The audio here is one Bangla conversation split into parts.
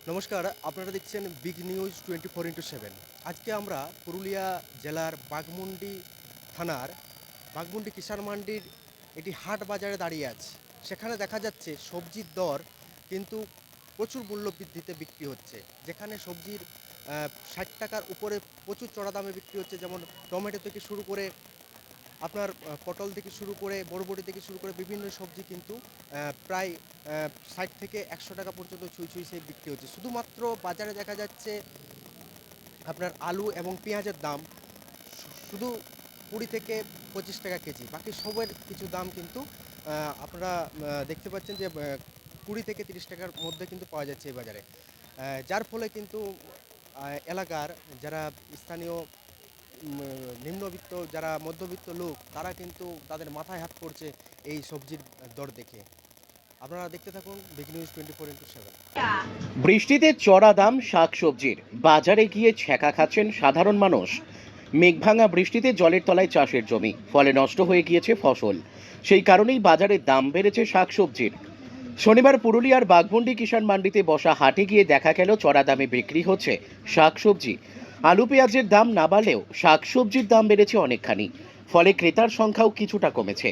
নমস্কার, আপনারা দেখছেন বিগ নিউজ 24x7। আজকে আমরা পুরুলিয়া জেলার বাঘমুন্ডি থানার বাঘমুন্ডি কিষাণ মান্ডির একটি হাট বাজারে দাঁড়িয়ে আছি। সেখানে দেখা যাচ্ছে সবজির দর কিন্তু প্রচুর মূল্য বৃদ্ধিতে বিক্রি হচ্ছে। যেখানে সবজির 60 টাকার উপরে প্রচুর চড়া দামে বিক্রি হচ্ছে, যেমন টমেটো থেকে শুরু করে আপনার পটল থেকে শুরু করে বরবটি থেকে শুরু করে বিভিন্ন সবজি কিন্তু প্রায় 60 থেকে 100 টাকা পর্যন্ত ছুঁই সে বিক্রি হচ্ছে। শুধুমাত্র বাজারে দেখা যাচ্ছে আপনার আলু এবং পেঁয়াজের দাম শুধু 20 থেকে 25 টাকা কেজি। বাকি সবের কিছু দাম কিন্তু আপনারা দেখতে পাচ্ছেন যে 20 থেকে 30 টাকার মধ্যে কিন্তু পাওয়া যাচ্ছে এই বাজারে। যার ফলে কিন্তু এলাকার যারা স্থানীয় নিম্নবিত্ত যারা মধ্যবিত্ত লোক, তারা কিন্তু তাদের মাথায় হাত পড়ছে এই সবজির দর দেখে। আপনারা দেখতে থাকুন বিগ নিউজ 24x7। বৃষ্টিতে চড়া দাম শাকসবজির, বাজারে গিয়ে ছ্যাঁকা খাচ্ছেন সাধারণ মানুষ। মেঘভাঙা বৃষ্টিতে জলের তলায় চাষের জমি, ফলে নষ্ট হয়ে গিয়েছে ফসল। সেই কারণেই বাজারে দাম বেড়েছে শাকসবজির। শনিবার পুরুলিয়ার বাঘমুন্ডি কিষাণ মান্ডিতে বসা হাটে গিয়ে দেখা গেল চড়া দামে বিক্রি হচ্ছে শাকসবজি। আলু পেঁয়াজের দাম না বাড়লেও শাকসবজির দাম বেড়েছে অনেকখানি, ফলে ক্রেতার সংখ্যাও কিছুটা কমেছে।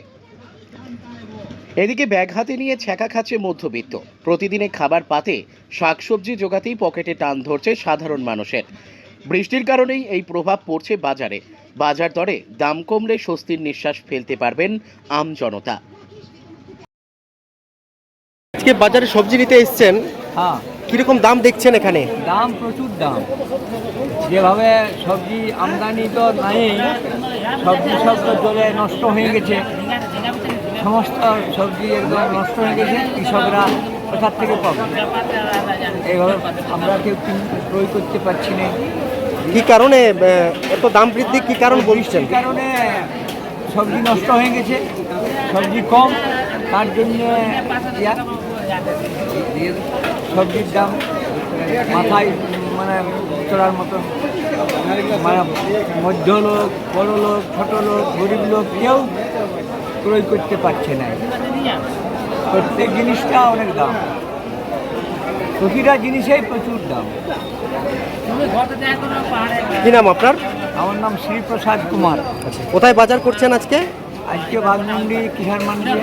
এদিকে ব্যাগ হাতে নিয়ে ছ্যাঁকা খাচ্ছে মধ্যবিত্ত। প্রতিদিনে খাবার পাতে শাকসবজি জোগাতেই পকেটে টান ধরছে সাধারণ মানুষের। বৃষ্টির কারণেই এই প্রভাব পড়ছে বাজারে। বাজার দরে দাম কমলে স্বস্তির নিঃশ্বাস ফেলতে পারবেন আমজনতা। আজকে বাজারে সবজি নিতে এসছেন, হ্যাঁ, কিরকম দাম দেখছেন এখানে? দাম প্রচুর দাম। যেভাবে সবজি আমদানি তো নাই, সবজি সব তো জলে নষ্ট হয়ে গেছে, সমস্ত সবজি একদম নষ্ট হয়ে গেছে। কৃষকরা কোথার থেকে পাবে? এইভাবে আমরা কেউ ক্রয় করতে পারছি না। কি কারণে এত দাম বৃদ্ধি, কি কারণ বলছেন? বৃষ্টির কারণে সবজি নষ্ট হয়ে গেছে, সবজি কম, তার জন্য সবজির দাম মাথায় মানে চড়ার মতো। মানে মধ্য লোক, বড় লোক, ছোট লোক, গরিব লোক কেউ ক্রয় করতে পারছে না। প্রত্যেক জিনিসটা অনেক দাম, প্রতিটা জিনিসেই প্রচুর দাম। কি নাম আপনার? আমার নাম শ্রীপ্রসাদ কুমার। কোথায় বাজার করছেন আজকে? আজকে বাঘমুন্ডি কিষাণ মান্ডি।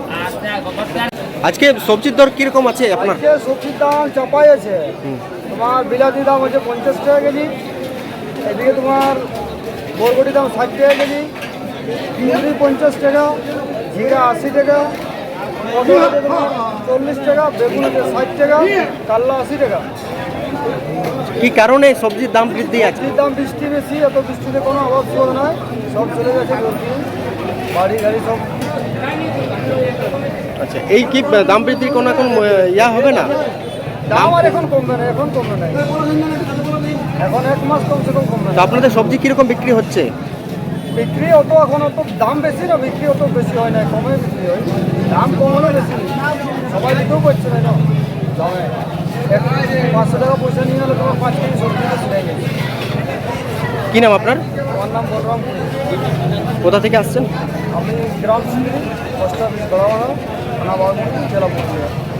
আজকে সবজির দর কিরকম আছে আপনার? আজকে সবজির দাম চাপাই আছে। তোমার বিলাতির দাম হচ্ছে 50 টাকা কেজি, এদিকে তোমার বরবটির দাম 60 টাকা কেজি, কুঁদরি 50 টাকা, জিরা 80 টাকা, পটল হচ্ছে তোমার 40 টাকা, বেগুন হচ্ছে 60 টাকা, কাল্লা 80 টাকা। কি কারণে সবজির দাম বৃদ্ধি আছে? সবজির দাম বৃষ্টি বেশি, এত বৃষ্টিতে কোনো অভাব ছিল না, সব চলে গেছে জলদি, বাড়ি গাড়ি সব। আচ্ছা, এই কি দাম বৃদ্ধির কোনো এখন ইয়া হবে না? দাম আর এখন কমবে না, এখন কমবে না, এখন 1 মাস কমসে কম কমবে তো না। আপনাদের সবজি কিরকম বিক্রি হচ্ছে? বিক্রি অত এখন অত দাম বেশি না, বিক্রি অত বেশি হয় না, কমে বিক্রি হয়। দাম কম হলে বেশি, সবাই দিতেও পারছে না দামে। 500 টাকা পয়সা নিয়ে গেলে তোমার 5 কেজি সবজি সেটাই গেছে। কি নাম আপনার? আমার নাম বলরাম। কোথা থেকে আসছেন? আমি গ্রাম সিংড়ি, পোস্ট অফিস গড়াবাড়া, থানা বাঘমুন্ডি, জেলা পুরুলিয়া।